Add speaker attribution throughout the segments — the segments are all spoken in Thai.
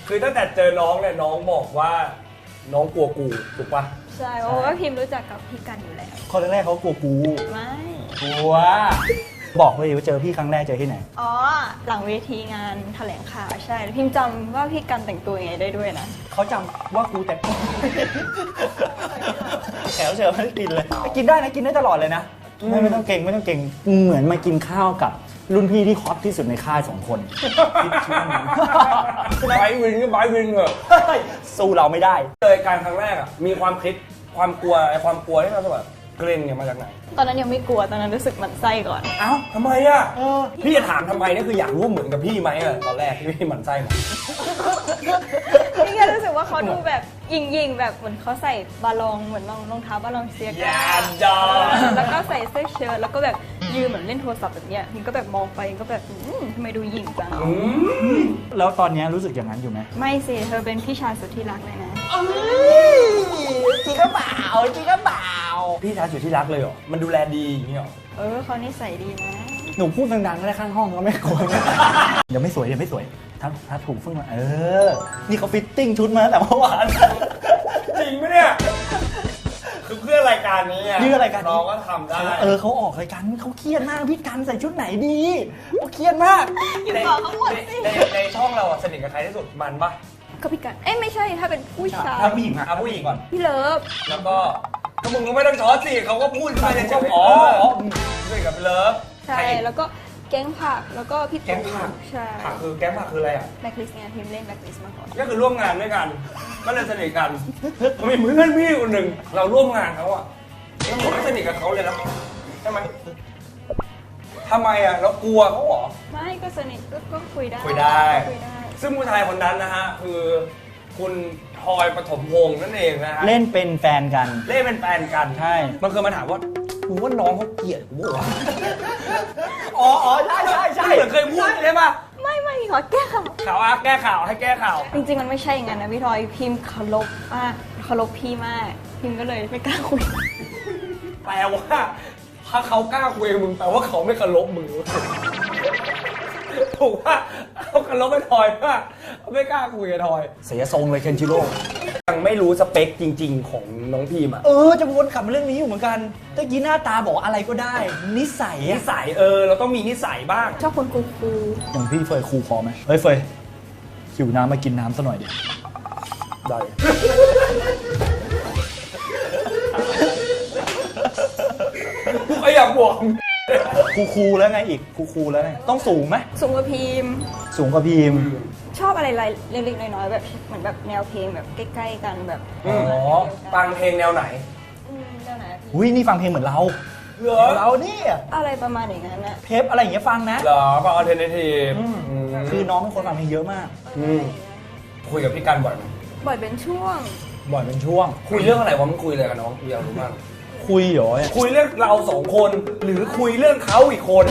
Speaker 1: คือตั้งแต่เจอน้องเนี่ยน้องบอกว่าน้องกลัวกูถูกปะ
Speaker 2: ใช่เพราะว่าพิมรู้จักกับพี่กันอยู่แล้ว
Speaker 3: คนแรกๆเขากลัวกู
Speaker 2: ไม่
Speaker 3: กลัวบอกเลยว่าเจอพี่ครั้งแรกเจอที่ไหน
Speaker 2: อ๋อหลังเวทีงานแถลงข่าวใช่พิมจำว่าพี่กันแต่งตัวยังไงได้ด้วยนะ
Speaker 3: เขาจำว่ากูแต่งแขวเชิญไม่ได้กินเลยกินได้นะกินได้ตลอดเลยนะไม่ต้องเก่งไม่ต้องเก่งเหมือนมากินข้าวกับรุ่นพี่ที่ฮอตที่สุดในค่าย2 คนคิดช่วงนั้น
Speaker 1: ไบวินก็ไบวินเหรอ
Speaker 3: สู้เราไม่ได้
Speaker 1: เลยการครั้งแรกอ่ะมีความคิดความกลัวความกลัวที่เราแบบเกรงเนี่ยมาจากไหน
Speaker 2: ตอนนั้นยังไม่กลัวตอนนั้นรู้สึกหมันไส้ก่อน
Speaker 1: เอ้าทำไมอ่ะพี่จะถามทำไมนี่คืออยากรู้เหมือนกับพี่ไหมอ่ะตอนแรกที่พี่หมั่นไส้มา
Speaker 2: พี่แค่รู้สึกว่าเขาดูแบบยิงๆแบบเหมือนเขาใส่บาลองเหมือนรองเท้าบาลองเซียกั
Speaker 1: อย่าดอ
Speaker 2: แล้วก็ใส่เสื้อเชิ้ตแล้วก็แบบยืนเหมือนเล่นโทรศัพท์แบบเนี้ยพิมก็แบบมองไปก็แบบทำไมดูหยิ่งจัง
Speaker 3: แล้วตอนนี้รู้สึกอย่างนั้นอยู่ไหม
Speaker 2: ไม่สิเธอเป็นพี่ชายสุดที่รักเลยนะ
Speaker 3: จริงก็เปล่าจริงก็เปล่า
Speaker 1: พี่ชายสุดที่รักเลยเหรอมันดูแลดีอย่างนี้เหรอ
Speaker 2: เขานิสัยดีนะ
Speaker 3: หนูพูดดังๆก็ได้ข้างห้องก็ไม่กลัวเดี๋ยวไม่สวยเดี๋ยวไม่สวยถ้าถูกฟึ่งมานี่เขาฟิตติ้งชุดมาตั้งแต่เมื่อวาน
Speaker 1: จริงไหมเนี่ยคือเพื่อรายการนี้อ่ะ
Speaker 3: เพื่อรายการนี้
Speaker 1: น้องก็ทำได้
Speaker 3: เขาออกรายการเขาเครียดมากพี่กันใส่ชุดไหนดีเขาเครียดมาก
Speaker 2: อยู่บอกเขาหมดสิ
Speaker 1: ในช่องเราอะสนิทกับใครที่สุดมันปะ
Speaker 2: ก็พี่กันไม่ใช่ถ้าเป็นผู้ชาย
Speaker 3: ถ้าผู้หญิงอะ
Speaker 1: เอาผู้หญิงก่อน
Speaker 2: พี่เลิฟ
Speaker 1: แล้วก็มึงก็ไม่ต้องช้อนสิเขาก็พูดไปเลยอ๋อสนิทกับเลิฟ
Speaker 2: ใช่แล้วก็แก๊งผักแล้วก็พี่
Speaker 1: แก๊งผัก
Speaker 2: ใช่
Speaker 1: ผักคือแก๊งผักคืออะไรอ่ะ
Speaker 2: แบ็คลิสต์ไงพิมเล่นแบ็คลิสต์มาก่อน
Speaker 1: ก็คือร่วมงานด้วยกันก็เลยสนิทกันมีเพื่อนพี่คนหนึ่งเราร่วมงานเขาอ่ะแล้วผมก็สนิทกับเขาเลยนะใช่ไหมทำไมอ่ะเรากลัวเขาเหรอ
Speaker 2: ไม่ก็สนิทก็คุยได้
Speaker 1: คุยได้
Speaker 2: คุยได้
Speaker 1: ซึ่งผู้ชายคนนั้นนะฮะคือคุณทอยปฐมพงษ์นั่นเองนะฮะ
Speaker 3: เล่นเป็นแฟนกัน
Speaker 1: เล่นเป็นแฟนกัน
Speaker 3: ใช่
Speaker 1: มันเคยมาถามว่ามึงว่าน้องเขาเกลียดกูวะ
Speaker 3: อ๋อใช่
Speaker 1: เหมือนเคยพูดใช่ปะ
Speaker 2: ไม่ขอแก้ข่าว
Speaker 1: ข่าวแก้ข่าวให้แก้ข่าว
Speaker 2: จริงๆมันไม่ใช่อย่างนั้นนะพี่ทอยพิมพ์เคารพมากเคารพพี่มากพิมก็เลยไม่กล้าคุย
Speaker 1: แปลว่าถ้าเขากล้าคุยกับมึงแปลว่าเขาไม่เคารพมึงถูกว่าเขาเคารพไม่ทอยว่าเขาไม่กล้าคุยกับทอย
Speaker 3: เสียทรงเลยเคนชิโร่
Speaker 1: ยังไม่รู้สเปคจริง ๆ ของน้องพีมอะ
Speaker 3: จะวนกลับมาเรื่องนี้อยู่เหมือนกันตะกี้หน้าตาบอกอะไรก็ได้ นิสัย
Speaker 1: นิ
Speaker 3: อะ
Speaker 1: สัยเราต้องมีนิสัยบ้าง
Speaker 2: ชอบคนคูล
Speaker 3: อย่างพี่เฟยครูพอไหมเฮ้ยเฟยหิวน้ำมากินน้ำซะหน่อยดิ
Speaker 1: ได้ก็อยากบวก
Speaker 3: ครูแล้วไงอีกครูแล้วไงต้องสูงไหม
Speaker 2: ๆสูงกว่าพิมพ์
Speaker 3: สูงกว่าพีม
Speaker 2: ชอบอะไรเล็กๆน้อยๆแบบเหมือนแบบแนวเพลงแบบใกล้ๆกันแบบ
Speaker 1: ฟังเพลงแนวไหน
Speaker 2: แนวไหนอะพี่
Speaker 3: อุ้ยนี่ฟังเพลงเหมือนเรา
Speaker 1: เหรอ
Speaker 3: เราเนี่ย
Speaker 2: อะไรประมาณอย่างนั้นนะ
Speaker 3: เพปอะไรอย่างเงี้ยฟังนะ
Speaker 1: เหรอฟังอัลเทอร์เนทีฟ
Speaker 3: คือน้องเป็นคนฟังเพลงเยอะมาก
Speaker 1: คุยกับพี่กันบ่อยไหม
Speaker 2: บ่อยเป็นช่วง
Speaker 3: บ่อยเป็นช่วง
Speaker 1: คุยเรื่องอะไรวะมึงคุยอะไรกับน้องกูอยากรู้มาก
Speaker 3: คุยเหรอ
Speaker 1: คุยเรื่องเราสองคน หรือคุยเรื่องเขาอีกคน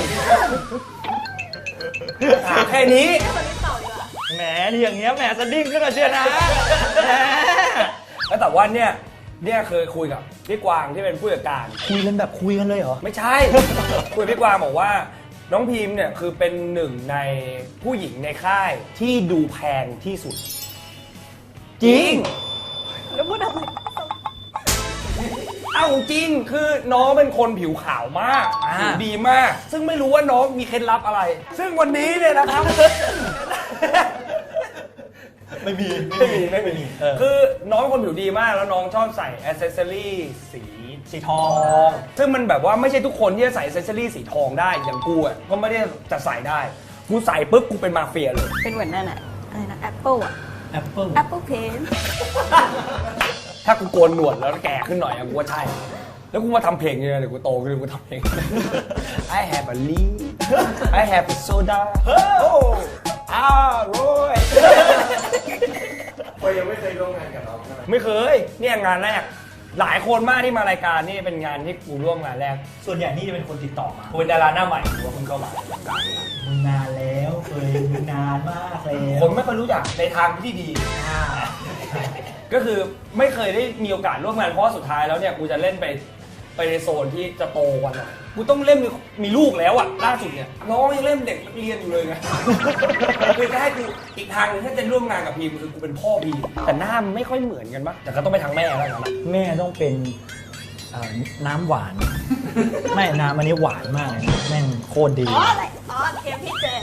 Speaker 1: ถามแค่นี้
Speaker 3: แหมที่อย่างเงี้ยแหมสะดิ้งขึ้นมาเชียวนะแหม
Speaker 1: แล้วแต่ว่าเนี่ยเคยคุยกับพี่กวางที่เป็นผู้จัดการ
Speaker 3: คุยกันแบบคุยกันเลยเหรอ
Speaker 1: ไม่ใช่ คุยกับพี่กวางบอกว่า น้องพิมเนี่ยคือเป็นหนึ่งในผู้หญิงในค่ายที่ดูแพงที่สุด จริง
Speaker 2: แล้วพูดอะไร
Speaker 1: เอ้าจริงคือน้องเป็นคนผิวขาวมากผิวดีมาก ซึ่งไม่รู้ว่าน้องมีเคล็ดลับอะไร ซึ่งวันนี้เนี่ยนะครับ
Speaker 3: ไม่มี
Speaker 1: คือน้องเป็นคนผิวดีมากแล้วน้องชอบใส่อ c เซสซอรี่สีทอง ซึ่งมันแบบว่าไม่ใช่ทุกคนที่จะใส่อ c เซสซอรี่สีทองได้อย่างกูอ่ะก็ไม่ได้จะใส่ได้กูใส่ปุ๊บกูเป็นมาเฟียเลย
Speaker 2: เป็นเหมือนนั่นอะอะไรนะแอปเปิลอะ
Speaker 3: แอปเปิ้ล
Speaker 2: แอปเปิลเพน
Speaker 1: ถ้ากูโกนหนวดแล้วแก่ขึ้นหน่อยอะกูว่าใช่ แล้วกูมาทำเพลงเนี่ยเดี๋ยวกูโตขึ้นกูทำเพลง I have a lead I have a soda โอ้โร่ย
Speaker 4: ก็ยังไม่เคยร่วมงานกับน้องใช่ไหม
Speaker 1: ไม่เคยเนี่ยงานแรก หลายคนมากที่มารายการนี่เป็นงานที่กูร่วมงานแรก
Speaker 3: ส่วนใหญ่นี่จะเป็นคนติดต่อมา
Speaker 1: กูเป็นดาราหน้าใหม่กูว่าเพิ่งเข้ามา
Speaker 3: มึงนานแล้วเคยมึงนานมากแล้ว
Speaker 1: ผมไม่ค่อยรู้จักในทางที่ดี ก็คือไม่เคยได้มีโอกาสร่วมงานเพราะว่าสุดท้ายแล้วเนี่ยกูจะเล่นไปไปในโซนที่จะโตกันอ่ะกูต้องเล่นมีลูกแล้วอ่ะล่าสุดเนี่ยน้องยังเล่นเด็กนักเรียนอยู่เลยไง คือถ้าให้กูอีกทางหนึงถ้าจะร่วมงานกับพีมคือกูเป็นพ่อพีมแต่หน้ามันไม่ค่อยเหมือนกันปะแต่ก็ต้องไปทางแม่แล้วกันนะ
Speaker 3: แม่ต้องเป็นน้ำหวาน ไม่น้ำอันนี้หวานมากเลยนะแม่งโคตรดี
Speaker 2: อ๋ออะไรอ๋อเทมพี่เจ